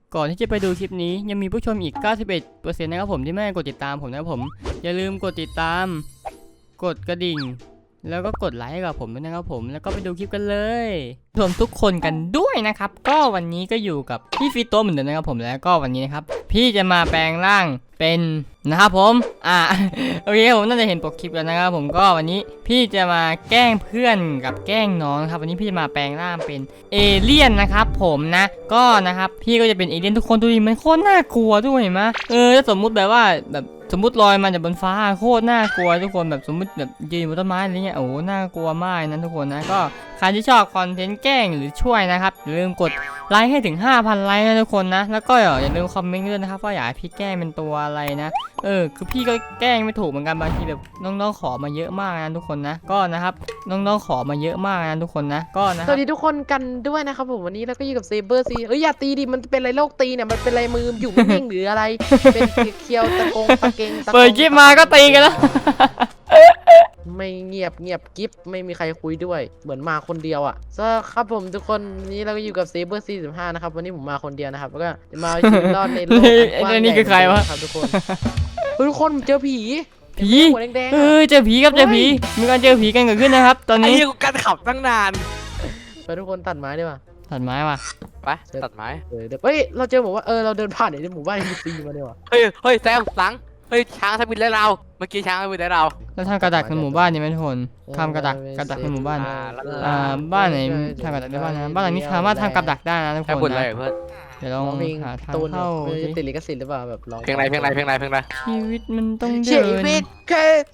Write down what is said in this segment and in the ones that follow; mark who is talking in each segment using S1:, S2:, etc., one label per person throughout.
S1: ก่อนที่จะไปดูคลิปนี้ยังมีผู้ชมอีก 91% นะครับผมที่ไม่ได้กดติดตามผมนะครับผมอย่าลืมกดติดตามกดกระดิ่งแล้วก็กดไลค์ให้กับผมด้วยนะครับผมแล้วก็ไปดูคลิปกันเลยรวมทุกคนกันด้วยนะครับก็วันนี้ก็อยู่กับพี่ฟิโต้เหมือนเดิมนะครับผมแล้วก็วันนี้นะครับพี่จะมาแปลงร่างเป็นนะครับผมโอเคผมน่าจะเห็นปกคลิปแล้วนะครับผมก็วันนี้พี่จะมาแกล้งเพื่อนกับแกล้งน้องครับวันนี้พี่จะมาแปลงร่างเป็นเอเลี่ยนนะครับผมนะก็นะครับพี่ก็จะเป็นเอเลี่ยนทุกคนดูดิมันโคตรน่ากลัวด้วยเห็นไหมถ้าสมมุติแบบว่าแบบสมมติลอยมาจากบนฟ้าโคตรน่ากลัวทุกคนแบบสมมติแบบยืนบนต้นไม้อะไรเงี้ยโอ้น่ากลัวมากนะทุกคนนะก็ใครที่ชอบคอนเทนต์แกล้งหรือช่วยนะครับอย่าลืมกดไลค์ให้ถึง 5,000 ไลค์นะทุกคนนะแล้วก็อย่าลืมคอมเมนต์ด้วยนะครับว่าอยากให้พี่แกล้งเป็นตัวอะไรนะคือพี่ก็แกล้งไม่ถูกเหมือนกันบางทีแบบน้องๆขอมาเยอะมากนะทุกคนนะก็นะครับน้องๆขอมาเยอะมากนะทุกคนนะก็นะ
S2: สวัสดีทุกคนกันด้วยนะครับผมวันนี้เราก็อยู่กับเซเบอร์ซีอย่าตีดิมันเป็นอะไรโรคตีเนี่ยมันเป็นอะไรมืออยู่นิ่งหรืออะไรเป็นเคียวตะกงตะเกงตะ
S1: เปิดคลิปมาก็ตีกันแล้ว
S2: ไม่เงียบกิฟไม่มีใครคุยด้วยเหมือนมาคนเดียวอ่ะครับผมทุกคนวันนี้เราก็อยู่กับเซเบอร์45นะครับวันนี้ผมมาคนเดียวนะครับแล้วก็จะมาเอาชีวิตรอดในโลกกว้างใหญ่
S1: นี่คือใครวะ
S2: ครับทุกคนทุกคนเจอผี
S1: ผี
S2: หัวแดงๆ
S1: เจอผีครับเจอผีมีการเจอผีกันเกิดขึ้นนะครับตอน
S3: ไอ้
S1: นี้
S3: เหี้ยกูการขับตั้งนาน
S2: ไปทุกคนตัดไม้ดีกว่า
S1: ตัดไม้ว่ะ
S3: ไปตัดไม้
S2: เดี๋ยวเราเจอบอกว่าเราเดินผ่านในหมู่บ้านมีซีมาดีกว่า
S3: เฮ้ยแซมหลังเฮ้ยช้างทำบินไล่เราเมื่อกี้ช้างทำบินไล่เรา
S1: แล้วทำกระดักในหมู่บ้านนี่ไหมทุกคนทำกระดักในหมู่บ้านบ้านไหนทำกระดักได้บ้างนะบ้านหลังนี้สามารถทำกระดักได้นะทุก
S3: แค่
S1: คน
S3: บุญอะไร
S1: นะ
S3: เพื่อน
S1: เดี๋ยวลอง
S2: เพลง
S1: หาทาง
S2: ตูน
S1: เข้า
S2: จะติดลิขสิทธิ์หรือเปล่าแบบร้อง
S3: เพลงอะไร
S1: ชีวิตมันต้อง
S2: ชี
S1: เดิน
S2: วิตแค่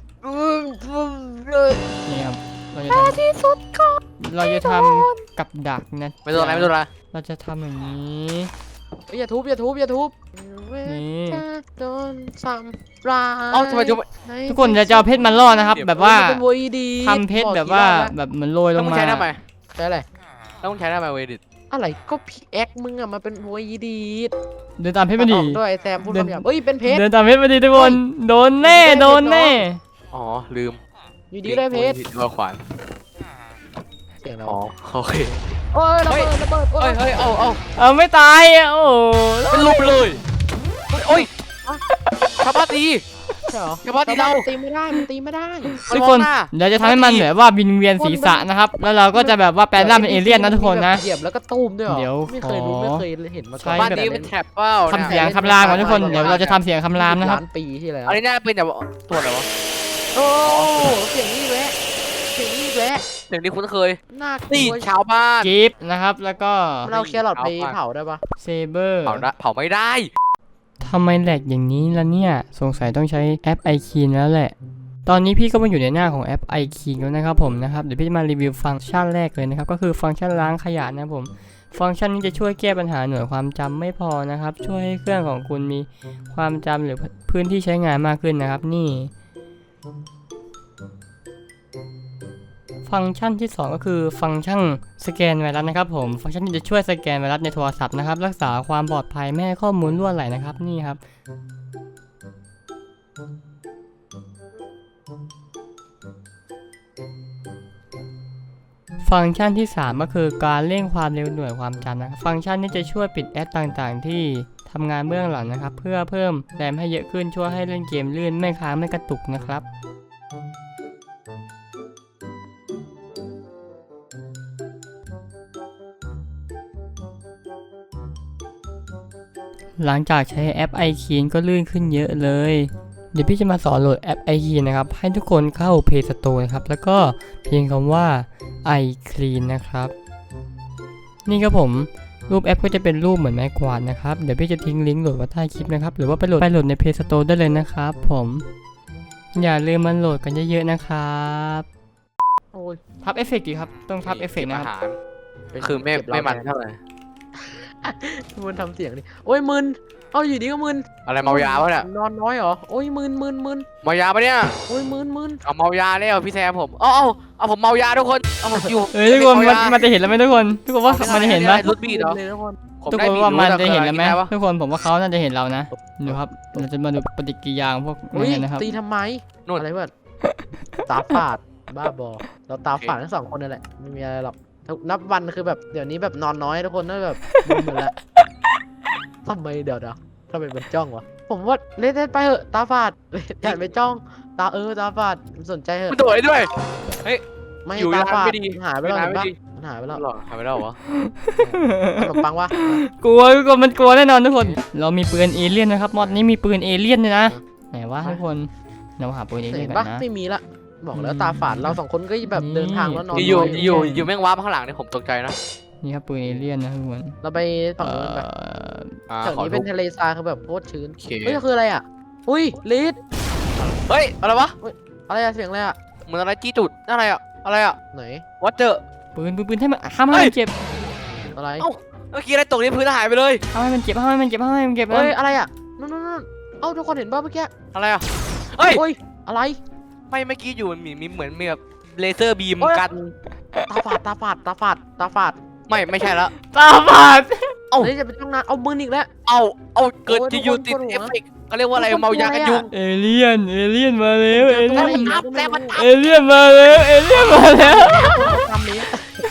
S1: นี่ครับเราจะท
S2: ที่สุดก็
S1: ำกับดักนะ
S3: ไม่โดนอะไร
S1: เราจะทำอย่างนี้
S2: อย่าทุบ
S1: นี่
S2: จะโดนซ้ำร้าย
S3: เอ้าทำไม
S1: ทุกคนจะเอาเพชรมาล่อนะครับแบบว่า
S2: เป็นโวยดี
S1: ทำเพชรแบบว่าแบบเหมือนโรยล
S3: แล้ว
S1: ง
S3: มึง
S1: มา
S3: ใช้ทำไม
S2: ใช่อะไร
S3: แล้วมึงใช้ทำไมเวดิต
S2: อะไรก็พีแอ็กมึงอะมาเป็นโวยดี
S1: เดินตามเพชรมาดี
S2: ด้วยแซมพูดคำหยาบเป็นเพชร
S1: เดินตามเพชรมาดีทุกคนโดนแน่โดนแน่
S3: อ๋อลืม
S2: อยู่ดีได้เพชร
S3: ตัวขวาน
S2: เสียงเรา
S3: อ๋อโอเค
S2: โอ้ยระเบิด
S3: เฮ้ยเอา
S1: เอาไม่ตายอ่ะโอ้
S3: เป็นรูปเลยโอ้ยชาวบ้านตี
S2: ใช่เหรอ
S3: ชาวบ้านตีเรา
S2: ตีไม่ได้มันตีไม่ได้
S1: ทุกคนเดี๋ยวจะทำให้มันแบบว่าวินเวียนศีรษะนะครับแล้วเราก็จะแบบว่าแปลงร่างเป็นเอเลี่ยนนะทุกคนนะ
S2: เหยียบแล้วก็ตุ้มด้วยเหรอ
S1: เดี๋ยว
S2: ไม่เคยรู้
S1: ขอ
S2: ไม่เคยเห็นมาก่อน
S1: ใช้
S3: บ้านนี้เป็นแท็บเป้า
S1: ทำเสียงคำรามก่อนทุกคนเดี๋ยวเราจะทำเสียงคำรามนะครับ
S2: ล้านปีที่แล้ว
S3: อันนี้น่าเป็นแบบตัวอะไรวะ
S2: โอ้เสียงนี่แวะเสียงนี่แวะ
S3: เสียงนี้คุ้นเคย
S2: น่าก
S3: นี่
S2: ลัว
S3: ชาวบ้าน
S1: กิฟต์นะครับแล้วก็
S2: เราแครอทไปเผาได้ปะ
S1: เซเบอร์
S3: เผาไม่ได้
S1: ทำไมแหลกอย่างนี้ล่ะเนี่ยสงสัยต้องใช้แอป iKey แล้วแหละตอนนี้พี่ก็มาอยู่ในหน้าของแอป iKey แล้วนะครับผมนะครับเดี๋ยวพี่จะมารีวิวฟังก์ชันแรกเลยนะครับก็คือฟังก์ชันล้างขยะนะครับผมฟังก์ชันนี้จะช่วยแก้ปัญหาหน่วยความจำไม่พอนะครับช่วยให้เครื่องของคุณมีความจำหรือพื้นที่ใช้งานมากขึ้นนะครับนี่ฟังก์ชันที่2ก็คือฟังก์ชันสแกนไวรัสนะครับผมฟังก์ชันนี้จะช่วยสแกนไวรัสในโทรศัพท์นะครับรักษาความปลอดภัยไม่ให้ข้อมูลรั่วไหลนะครับนี่ครับฟังก์ชันที่ 3 ก็คือการเร่งความเร็วหน่วยความจำนะครับฟังก์ชันนี้จะช่วยปิดแอปต่างๆที่ทำงานเบื้องหลังนะครับเพื่อเพิ่มแรมให้เยอะขึ้นช่วยให้เล่นเกมลื่นไม่ค้างไม่กระตุกนะครับหลังจากใช้แอป iKey ก็ลื่นขึ้นเยอะเลยเดี๋ยวพี่จะมาสอนโหลดแอป iKey นะครับให้ทุกคนเข้า Play Store นะครับแล้วก็เพียงคำว่า iClean นะครับนี่ครับผมรูปแอปก็จะเป็นรูปเหมือนไม้กวาดนะครับเดี๋ยวพี่จะทิ้งลิงก์โหลดไว้ใต้คลิปนะครับหรือว่าไปโหลดใน Play Store ได้เลยนะครับผมอย่าลืมมันโหลดกันเยอะๆนะครับ
S2: โอ้ย
S1: ทับเอฟเฟกต์ดีครับต้องทับเอฟเฟกต์นะครับ
S3: คือไม่มันเท่าไหร่
S2: มึนทำเสียงดิโอ้ยมึนเอาอยู่ดีก็มึน
S3: อะไรเมายาปะเนี่ย
S2: นอนน้อยเหรอโอ้ยมึน
S3: เมายาปะเนี่ย
S2: โอ้ยมึน
S3: เอาเมายาแล้วพี่แซมผมเอาผมเมายาทุกคนเอาผมอยู่
S1: เฮ้ยทุกคนมันจะเห็นแล้วไหมทุกคนทุกคนว่ามันจะเห็นไหม
S3: รุดบีดเหรอ
S2: เลยทุกคน
S1: ทุกคนว่ามันจะเห็นแล้วไหมทุกคนผมว่าเขาน่าจะเห็นเรานะดูครับเราจะมาดูปฏิกิริยาของพวก
S2: อุ้ย
S1: นี้นะครับ
S2: ตีทำไม
S3: นู่น
S2: อะไรวะตาฝาดบ้าบอเราตาฝาดทั้งสองคนนั่นแหละไม่มีอะไรหรอกนับวันคือแบบเดี๋ยวนี้แบบนอนน้อยทุกคนนั่นแบบมึนหมดแล้วทำไมเดี๋ยวทำไมมันจ้องวะผมว่าเล่นไปเหอะตาฝาดอย่าไปจ้องตาตาฝาดสนใจเหอะ
S3: มันโดดได้ด้วย
S2: ไม่
S3: อยู่
S2: ตาฝาด
S3: ไม่ดี
S2: หายไปแล้ว
S3: ไม่
S2: เห็นปะ
S3: ดี
S2: มันหายไปแล้ว
S3: หรอหายไปแล้วเหรอ
S2: ขนมปังวะ
S1: กลัวทุกคนมันกลัวแน่นอนทุกคน เรามีปืนเอเลี่ยนนะครับมอดนี้มีปืนเอเลี่ยนด้วยนะไหนวะทุกคนเราหาปืนเอเลี่ย
S2: เห็
S1: น
S2: น
S1: กั
S2: ปะ
S1: นนะ
S2: ไม่มีละบอกแล้วตาฝาดเราสองคนก็แบบ
S1: นี่
S2: เดินทางแล้วนอน
S3: อยู่
S2: น้
S3: อยู่แม่งว้าร์ปข้างหลังเนี่ยผมตกใจนะ
S1: นี่ครับปืนเอเลี่ยนนะทุกคน
S2: เราไปฝั่งนู้นไป
S3: อ่า
S2: แถว
S3: ขอ
S2: นี้
S3: ดู
S2: เป็นทะเลทรายคือแบบโคตรชื้น
S3: โอเค
S2: เฮ้ยคืออะไรอ่ะอุ้ยลิด
S3: เฮ้ยอะไรวะ
S2: อะไรอะเสียงอะไรอะ
S3: เหมือนอะไรจี้จุดนั่นอะไรอ่ะอะไรอ่ะ
S2: ไหน
S3: วัดเจอ
S1: ปืนให้มันห้ามให้มันเจ็บ
S2: อะไร
S3: เอ้า เมื่อกี้อะไรตกที่พื้นหายไปเลย
S1: ห้ามให้มันเจ็บห้ามให้มันเจ็บห้ามให้มันเจ็บ
S2: เฮ้ยอะไรอะนู่นเอ้าทุกคนเห็นป่ะเมื่อกี้
S3: อะไรอ่ะเฮ้ย
S2: โอ้ยอะไร
S3: ไม่เมื่อกี้อยู่มันมีเหมือนมีแบบเลเซอร์บีม
S2: โอ้ย
S3: กัน
S2: ตาฝาดตาฝาด
S3: ไม่ใช่แล้ว
S1: ตาฝาด
S3: เอ้า
S2: เฮ้ยจะเป็นต้องนานเอามืออีกแล้ว
S3: เอาเกิด
S2: โอ้ย
S3: จะอยู่
S2: ทุกคน
S3: ติด
S2: ปวดหัว
S3: เอฟเฟกต์เขาเรียกว่าอะไร
S2: ทุกคน
S3: เมายากันยุง
S1: เอเลี่ยนมาแล้วเอ
S2: เจอ
S1: เลี่ยน
S2: ตัวอะไรอีกแล้ว
S3: แล้วมัน
S1: เอเลี่ยนมาแล้วเอเลี่ยนมาแล้ว
S2: ทำนี้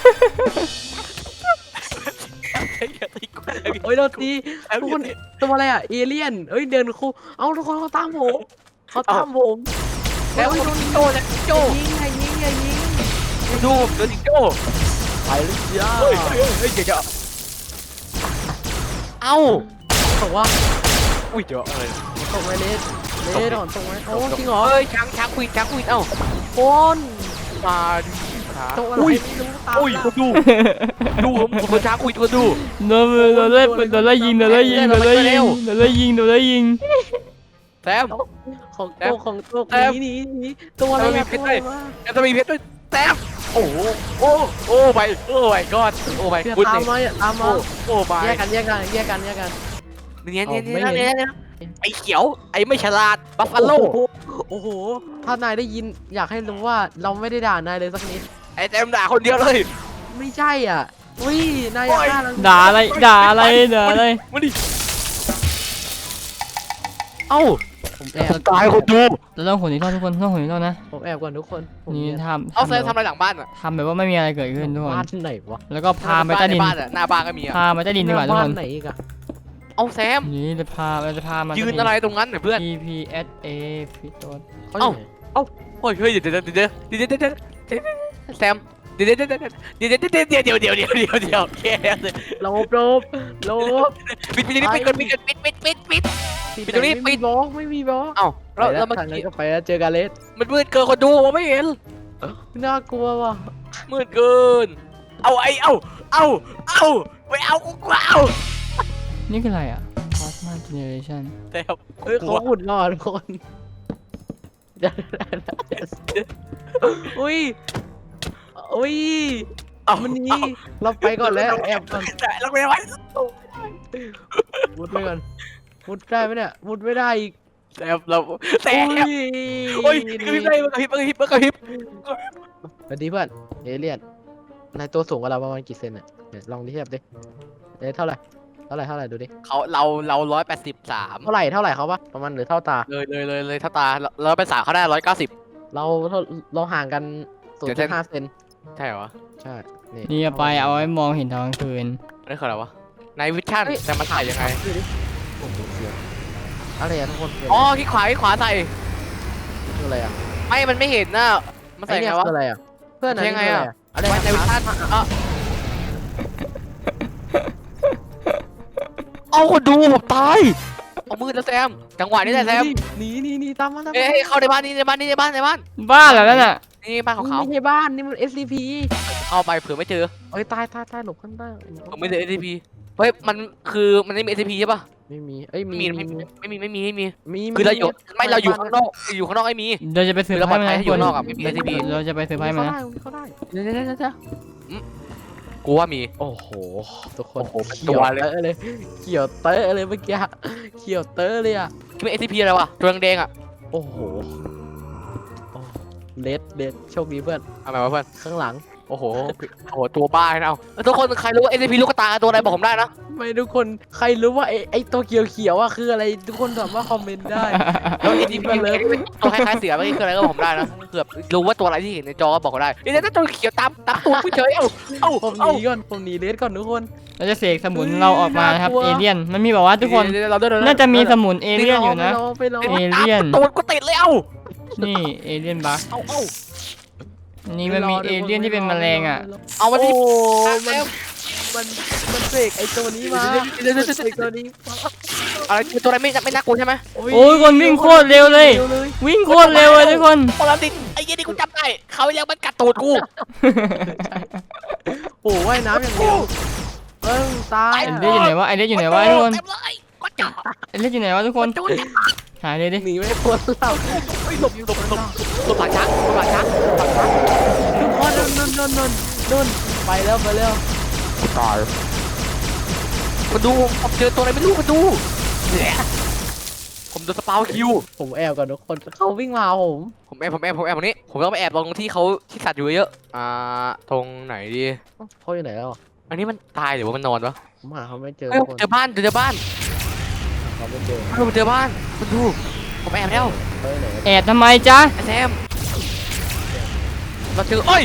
S2: โอ้ยโดนตีทุกคนตัวอะไรอะเอเลี่ยนเอ้ยเดินคู่เอ้าทุกคนเขาตามผม
S3: แล้ว
S2: เฮ้ย
S3: โดนโจแล้วโจ
S2: ยิงอย่ายิง
S3: ดูโดนโจ
S2: ไปเลยจ้า
S3: เฮ้ยเดี๋ยวเอ้า
S2: บอกว่า
S3: อุ้ยเดี๋ยวอะไร
S2: ตรงไหมเลสถอนตรงไหมโอ้จริงเหรอ
S3: เฮ้ยช้างคุยเอ้า
S2: คน
S3: มาดิขา
S2: ตรงอะไรไม่รู้ตาม
S3: อุ้ยคนดูผมช้างคุยคนดู
S1: โดนไล่ยิง
S3: แซม
S2: ของตัวนี้ตัวอะไร
S3: มีเพชรด้วย แล้วจะมีเพชรด้วยแซมโอ้ไปก้อนโอ้ไป
S2: เพื่อ
S3: พูด
S2: ตาม
S3: เลย
S2: มาตามมา
S3: โอ้ไป
S2: แยกกัน
S3: เนี่ยไอ้เขียวไอ้ไม่ฉลาดบัฟฟาโล
S2: โอ้โหถ้านายได้ยินอยากให้รู้ว่าเราไม่ได้ด่านายเลยสักนิด
S3: ไอ้แซมด่าคนเดียวเลย
S2: ไม่ใช่อ่ะอุ้ยนายอยากฆ่าเรา
S1: ด่าอะไร
S3: มาดิเอ้า
S2: ผมแอบ
S3: ตายคนดู
S1: เราต้องหุ่นอีกรอบทุกคนต้องหุ่นอีกรอบนะ
S2: ผมแอบก่อนทุกคนผม
S1: นี่
S2: เนียน
S1: ทำ
S3: เอาแซมทำอะไรหลังบ้านอ่ะ
S1: ทำแบบว่าไม่มีอะไรเกิดขึ้นทุกคน
S2: บ้านไหนวะ
S1: แล้วก็พาไปใต้ดิน
S3: บ้านอ่ะหน้าบ้านก็มีอ่ะ
S1: พาไปใต้ดินดีกว่าทุก
S2: บ้า
S1: คน น
S2: ไหนอีกอะ
S3: เอาแซม
S1: นี่เราจะพามา
S3: ยืนอะไรตรงนั้นเนี่ยเพื่อน
S1: TPSA ฟิโต
S2: เขาอยู่ไหน
S3: เฮ้ยเดี๋ยวแซมเดี๋ยวแค่เลย
S2: ลบ
S3: ปิดตรงนี้ปิดตรงนี้ปิด
S2: ไม่มีบล็อก
S3: เอ้าแล้ว
S2: แล้ว
S3: เมื่อ
S2: ทางนั้น
S3: กี้
S2: ก็ไปแล้วเจอกาเลส
S3: มันมืดเกินคนดูผมไม่เห็น
S2: น่ากลัวว่ะ
S3: มืดเกินเอาไปเอากูเอา
S1: นี่คืออะไรอ่ะ Plasma Generation
S3: แซม
S2: เฮ้ยเขาหุ่นรอดคนอุ้ยมันนี่เราไปก่อนแล้วแอบก่อน
S3: เราไปไว้
S2: มุดไปก่อนมุดได้ไหมเนี่ยมุดไม่ได้อีก
S3: แซมโอ้ยกระพริบได้กระพริบ
S2: สวัสดีเพื่อนเอเลี่ยนนายตัวสูงกว่าเราประมาณกี่เซนเนี่ยลองดิเทียบดิเท่าไหร่ดูดิ
S3: เรา183
S2: เท่าไหร่เขาปะประมาณหรือเท่าตา
S3: เลยถ้าตาเราไป3เขาได้190
S2: เราห่างกัน 0.5 เซน
S3: ใช่เหรอ
S2: ใช่
S1: นี่เอาไปเอาไว้มองเห็นตอนกลางคืน
S3: นี่คืออะไรวะในวิชั่นแต่มันถ่ายยังไง
S2: โอ้โหเสียงอะไรอะทุกคน
S3: อ๋อที่ขวาใส่
S2: คืออะไรอะ
S3: ไม่มันไม่เห็นนะมันใส่
S2: ไอ้
S3: ไง
S2: เนี่ยว
S3: ะ
S2: คืออะไรอะเพื่อน
S3: ใช่ไงอะ
S2: อะไร
S3: ไว้ในวิชั่นเอาคนดูผมตายเอามือแล้วแซมจังหวะนี้แหละแซม
S2: หนีตามมา
S3: เอ้ยเข้าในบ้านในบ้าน
S1: บ้าเหรอนั่นน่ะ
S3: นี่บ้านของเขา
S2: ไม่ใช่บ้านนี่มัน SCP
S3: เข้าไปเผื่อไม่เจอ
S2: เอ้ยตายหลบข้างใต้
S3: ผมไม่เจอ SCP เฮ้ยมันคือมันไม่มี SCP ใช่ป่ะ
S2: ไม่มีเอ้ยมี
S3: คือเราอยู่ข้างนอกไอ้มี
S1: เราจะไปสืบ
S3: เราปล
S1: ให้
S3: อด
S1: มัน
S3: ภัย
S1: นะ
S3: อยู่นอกอะไม่มี SCP
S1: เราจะไปสืบให้มันนะ
S2: เขาได้
S3: เดี๋ยวกูว่ามี
S2: โอ้โหทุกคน
S3: โอ้โหเป็นตัวเลย
S2: เขียวเตอะเลยเมื่อกี้เขียวเตอะเลยอะ
S3: คิดว่า SCP อะไรวะตัวแดงๆอ่ะ
S2: โอ้โหเลดโชคดีเพื่อน
S3: เอาไหมวะเพื่อน
S2: ข้างหลัง
S3: โอ้โหตัวบ้านะเอาทุกคนใครรู้ว่า SCP ลูกกระตายตัวอะไรบอกผมได้นะ
S2: ไม่ทุกคนใครรู้ว่าไอ้ตัวเขียวๆอ่ะคืออะไรทุกคนสามารถคอมเมนต์ได้
S3: แล้ว SCP ตัวคล้ายๆเสือไม่คืออะไรก็บอกผมได้นะเกือบรู้ว่าตัวอะไรที่เห็นในจอก็บอกผมได้นี่ถ้าตัวเขียวตามตัวผู้เฉย
S2: ผมหนีก่อนผมหนีเลสก่อนทุกคน
S1: เราจะเสกสมุนเราออกมานะครับเอเลี่ยนมันมีบอกว่าทุกคน
S3: เราด้วย
S1: น่าจะมีสมุนเอเลี่ยนอยู่นะ
S2: ไปรอ
S1: เอเลี่ยน
S3: ตัวก็ติดเลย
S1: นี่เอเลี่ยนบัก
S3: เอา
S1: นี่มันมีเอเลี่ยนที่เป็นแมลงอ่ะ
S3: เอามา
S2: โอ้
S3: ที่
S2: มันเสกไอ้ตัวนี้มาเสกตัวนี้
S3: อะไรตัวอะไรไม่น่ากลัวใช่ไหม
S1: โอ้ยคนวิ่งโคตรเร็วเลย วิ่งโคตรเร็วเลยทุกคน
S3: พอเราติดไอ้ยี่นี่กูจำได้เขายังมันกัดตูดกู
S2: โอ้ว่ายน้ำอย่างเดียวตาย
S1: ไอเลี่ยนอยู่ไหนวะไอเลี่ยนอยู่ไหนวะทุกคน
S3: เต็มเลยก็จ่า
S1: ไอเลี่ยนอยู่ไหนวะทุกคนหายเลยดิ
S2: หนีไม่พ้นเรา
S3: หลบหลังช้าง
S2: ทุกคนนุ่นไปแล้ว
S3: ตายมาดูผมเจอตัวอะไรไม่รู้มาดูผมโดนสปาวคิว
S2: ผมแอบก่อนทุกคนเขาวิ่งมาผม
S3: ผมแอบตรงนี้ผมต้องไปแอบตรงที่เขาที่สัตว์อยู่เยอะตรงไหนดี
S2: เขาอยู่ไหนแล้ว
S3: อันนี้มันตายหรือว่ามันนอนวะ
S2: ผมหาเขาไม่เจอ
S3: เจอบ้าน
S2: เขาไม่เจอ
S3: ผมเจอบ้านมาดูผมแอบแล้ว
S2: เขาอยู่ไหน
S1: แอบทำไมจ๊ะ
S3: ไอ้แซมเราเจอเอ้ย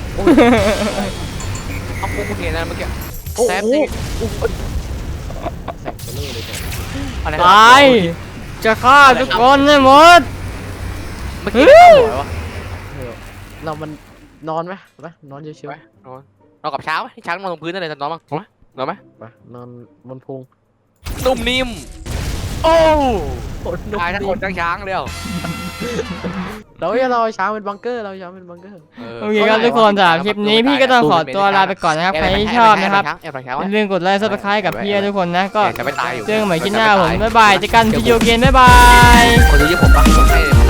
S3: เอากูเห็นนะเมื่อกี้แซมนี่
S2: แสงเบลอเลยจ้ะ
S3: อะไร
S1: ตายจะฆ่าทุกคนให้หมด
S3: เมื่อกี้วะ
S2: เรามันนอนไหมนอนเฉย
S3: นอนกับช้างไหมช้างนอนตรงพื้นนั่นเลยจะนอนมั้งนอนไหม
S2: ๆไปนอนบนพุง
S3: นุ่มนิ่มโอ้
S2: นุ่ม
S3: ตายทั้งคนทั้งช้างเดียว
S2: เราจะรอช้างเป็นบังเกอร์เราช้างเป็นบังเกอร์
S1: โอเคครับทุกคนสำหรับคลิปนี้พี่ก็ต้องขอตัวลาไปก่อนนะครับใครที่ชอบนะครับ
S3: แอบหลังช้าง
S1: อย่าลืมกดไลค์ซับสไครต์กับพี่ทุกคนนะก็
S3: จะไม่ตายอยู่
S1: เจอกันใหม่คลิปหน้าผมบ๊ายบายเจอกันวิดีโอเกมบ๊ายบาย
S3: คนดูเยอะผมปะผมให้